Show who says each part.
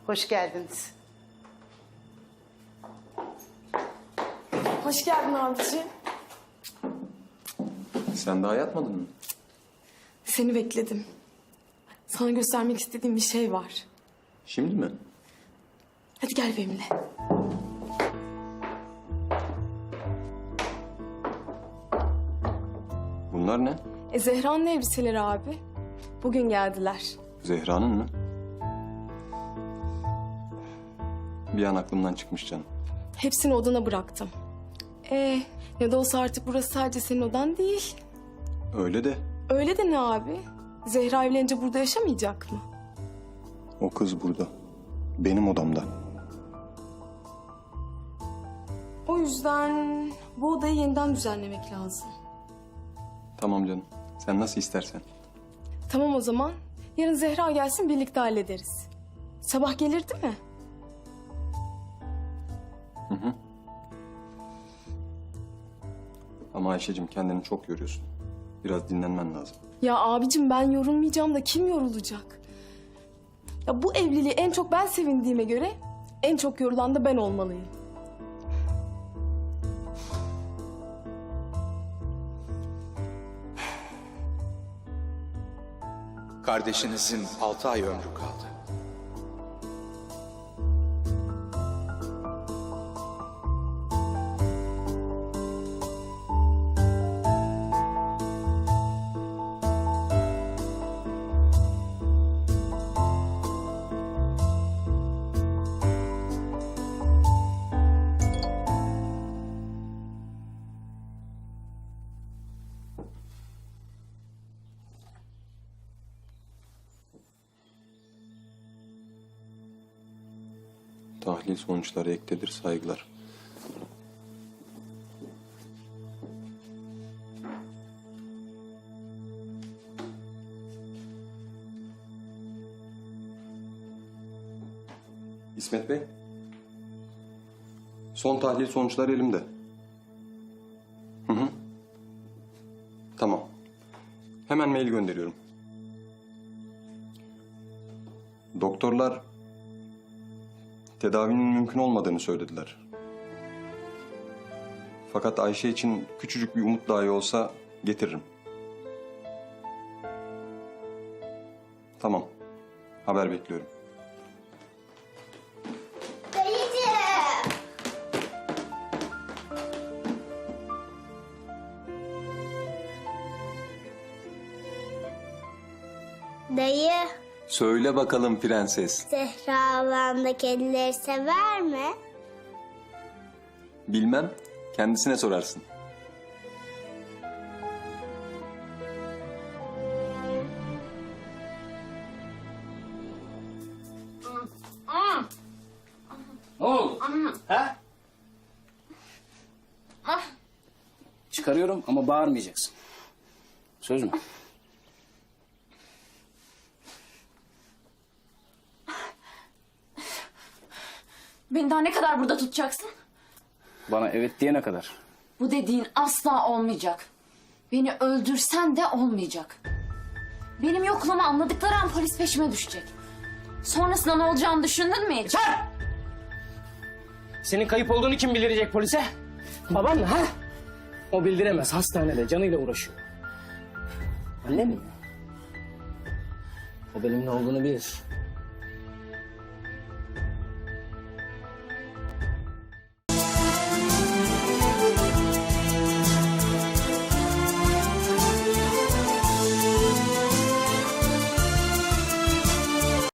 Speaker 1: Hoş geldiniz.
Speaker 2: Hoş geldin abiciğim.
Speaker 3: Sen daha yatmadın mı?
Speaker 2: Seni bekledim. Sana göstermek istediğim bir şey var.
Speaker 3: Şimdi mi?
Speaker 2: Hadi gel benimle.
Speaker 3: Bunlar ne?
Speaker 2: Zehra'nın elbiseleri abi. Bugün geldiler.
Speaker 3: Zehra'nın mı? Bir an aklımdan çıkmış canım.
Speaker 2: Hepsini odana bıraktım. Ne de olsa artık burası sadece senin odan değil.
Speaker 3: Öyle de
Speaker 2: Öyle de ne abi? Zehra evlenince burada yaşamayacak mı?
Speaker 3: o kız burada. Benim odamda.
Speaker 2: O yüzden bu odayı yeniden düzenlemek lazım.
Speaker 3: Tamam canım. Sen nasıl istersen.
Speaker 2: Tamam o zaman. Yarın Zehra gelsin birlikte hallederiz. Sabah gelir değil mi?
Speaker 3: Ama Ayşe'cim kendini çok yoruyorsun. Biraz dinlenmen lazım.
Speaker 2: Ya abicim ben yorulmayacağım da kim yorulacak? Ya bu evliliği en çok ben sevindiğime göre en çok yorulan da ben olmalıyım.
Speaker 4: Kardeşinizin 6 ay ömrü kaldı.
Speaker 3: Tahlil sonuçları ektedir, saygılar. İsmet Bey. Son tahlil sonuçları elimde. Hı. Tamam. Hemen mail gönderiyorum. Doktorlar tedavinin mümkün olmadığını söylediler. Fakat Ayşe için küçücük bir umut dahi olsa getiririm. Tamam. Haber bekliyorum.
Speaker 5: Dayı,
Speaker 3: Söyle bakalım prenses.
Speaker 5: Zehra ablam da kedileri sever mi?
Speaker 3: Bilmem. Kendisine sorarsın.
Speaker 6: Ne oldu? Ha? Çıkarıyorum ama bağırmayacaksın. Söz mü?
Speaker 7: Beni daha ne kadar burada tutacaksın?
Speaker 6: Bana evet diyene kadar.
Speaker 7: Bu dediğin asla olmayacak. Beni öldürsen de olmayacak. Benim yokluğumu anladıkları an polis peşime düşecek. Sonrasında ne olacağını düşündün mü hiç?
Speaker 6: Senin kayıp olduğunu kim bildirecek polise? Baban mı ha? O bildiremez. Hastanede canıyla uğraşıyor. Annem mi? O benim ne olduğunu bilir.